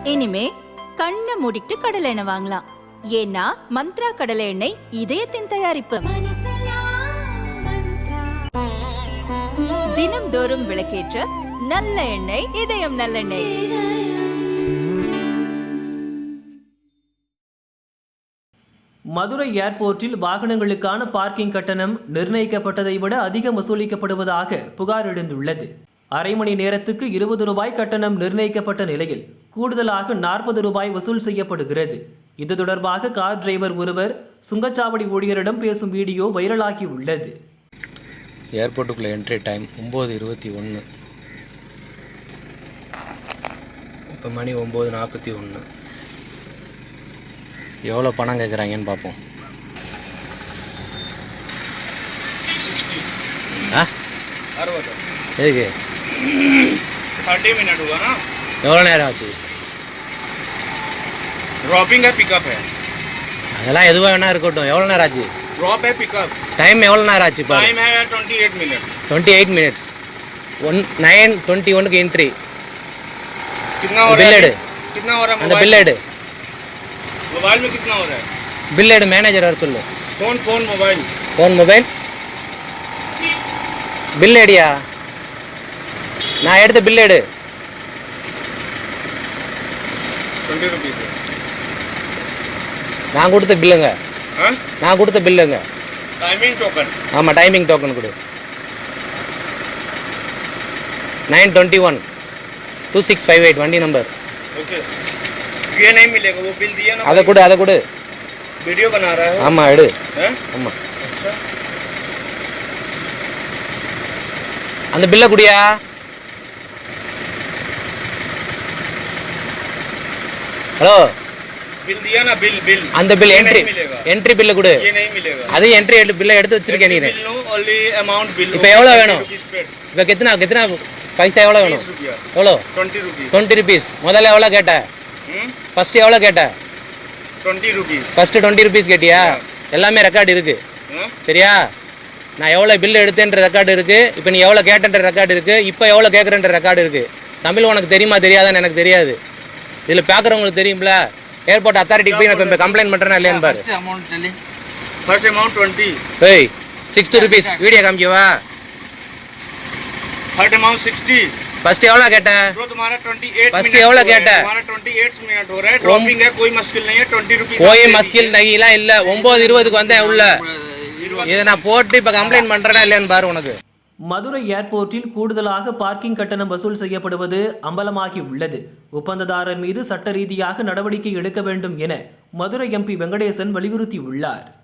இனிமே கண்ணை மூடிட்டு கடலை எண்ணெய் வாங்கலாம். ஏன்னா மந்த்ரா கடலை எண்ணெய் இதயத்தின் தயாரிப்பு. தினம்தோறும் விளக்கேற்ற நல்ல எண்ணெய் இதயம் நல்லெண்ணெய். மதுரை ஏர்போர்ட்டில் வாகனங்களுக்கான பார்க்கிங் கட்டணம் நிர்ணயிக்கப்பட்டதை விட அதிகம் வசூலிக்கப்படுவதாக புகார் எழுந்துள்ளது. அரை மணி நேரத்துக்கு 20 ரூபாய் கட்டணம் நிர்ணயிக்கப்பட்ட நிலையில் கூடுதலாக 40 ரூபாய் வசூல் செய்யப்படுகிறது. இது தொடர்பாக கார் டிரைவர் ஒருவர் சுங்கச்சாவடி ஊழியரிடம் பேசும் வீடியோ வைரலாகி உள்ளது. ஏர்போர்ட்டுக்குள்ள என்ட்ரி டைம் 9:21. இப்போ மணி 9:41. எவ்வளோ பணம் கேட்குறாங்கன்னு பார்ப்போம். எதுக்கு 30 मिनट हुआ ना. எவ்வளோ நேரம் ஆச்சு? ड्रॉपिंग है पिकअप है. அதெல்லாம் எதுவாக வேணா இருக்கட்டும். எவ்வளோ நேரம் ஆச்சு? ड्रॉप है पिकअप. டைம் எவ்வளோ நேரம் ஆச்சு? இப்போ टाइम है 28 मिनट. 28 மினிட்ஸ். 9:21க்கு என்ட்ரி. कितना हो रहा बिल है? एड. कितना हो रहा है? அந்த பில் எடு. मोबाइल में कितना हो रहा है? பில் எடு. மேனேஜர் வர சொல்லு. Phone mobile. Phone mobile bill எடியா? நான் எடுத்த பில் எடு. 20 रुपीस. நான் கொடுத்த பில்லுங்க. हाँ? நான் கொடுத்த பில்லுங்க. Timing token. ஆமாம், டைமிங் டோக்கன் கொடு. 9:21 2658 வண்டி நம்பர். ओके. ये नहीं मिलेगा. वो बिल दिया ना. அதை கொடு. वीडियो बना रहा है. ஆமாம் எடு. हैं? ஆமாம், अच्छा. அந்த பில்லை குடியா? ஹலோ, बिल दिया ना. बिल அந்த பில் ये என்ட்ரி नहीं मिलेगा. என்ட்ரி பில்லை கொடு. ये नहीं मिलेगा. அது என்ட்ரி பில்லை எடுத்து வச்சிருக்கேன் நீ. Bill no only amount bill. இப்போ எவ்வளோ வேணும்? இப்போ எத்தனை பைசா எவ்வளோ வேணும்? 20 रुपया. எவ்வளோ? 20 रुपीस. 20 ருபீஸ். முதல்ல எவ்வளோ கேட்ட? ஃபர்ஸ்ட் எவ்வளோ கேட்ட? 20 रुपीस. ஃபர்ஸ்ட் 20 ருபீஸ் கேட்டியா? எல்லாமே ரெக்கார்டு இருக்கு. சரியா? நான் எவ்வளோ பில் எடுத்தேன்ற ரெக்கார்டு இருக்கு. இப்போ நீ எவ்வளோ கேட்டன்ற ரெக்கார்டு இருக்கு. இப்போ எவ்வளோ கேட்குறன்ற ரெக்கார்டு இருக்கு. தமிழ் உனக்கு தெரியுமா தெரியாதான்னு எனக்கு தெரியாது. இதில் பார்க்குறவங்களுக்கு தெரியும்ல. ஏர்போர்ட் அத்தாரிட்டிக்கு போய் நான் இப்போ கம்ப்ளைண்ட் பண்ணுறேன்னா இல்லையான்னு பாரு. First amount 20. ஏய், 60 ருபீஸ். வீடியோ காமிக்கவா? First amount 60. ஃபர்ஸ்ட் எவ்வளோ கேட்ட? ब्रो तुम्हारा 28 फर्स्ट मिनट एवढा हो रहा है. केटा? तुम्हारा 28 मिनट हो रहा है. ड्रॉपिंग है, कोई मुश्किल नहीं है. 20 रुपीस. போய் மஸ்கில் நகிலாம் இல்லை. 9:20க்கு வந்தேன் உள்ள. இதை நான் போட்டு இப்போ கம்ப்ளைண்ட் பண்ணுறேன்னா இல்லையான்னு பாரு உனக்கு. மதுரை ஏர்போர்ட்டில் கூடுதலாக பார்க்கிங் கட்டணம் வசூல் செய்யப்படுவது அம்பலமாகி உள்ளது. ஒப்பந்ததாரர் மீது சட்ட ரீதியாக நடவடிக்கை எடுக்க வேண்டும் என மதுரை எம்பி வெங்கடேசன் வலியுறுத்தியுள்ளார்.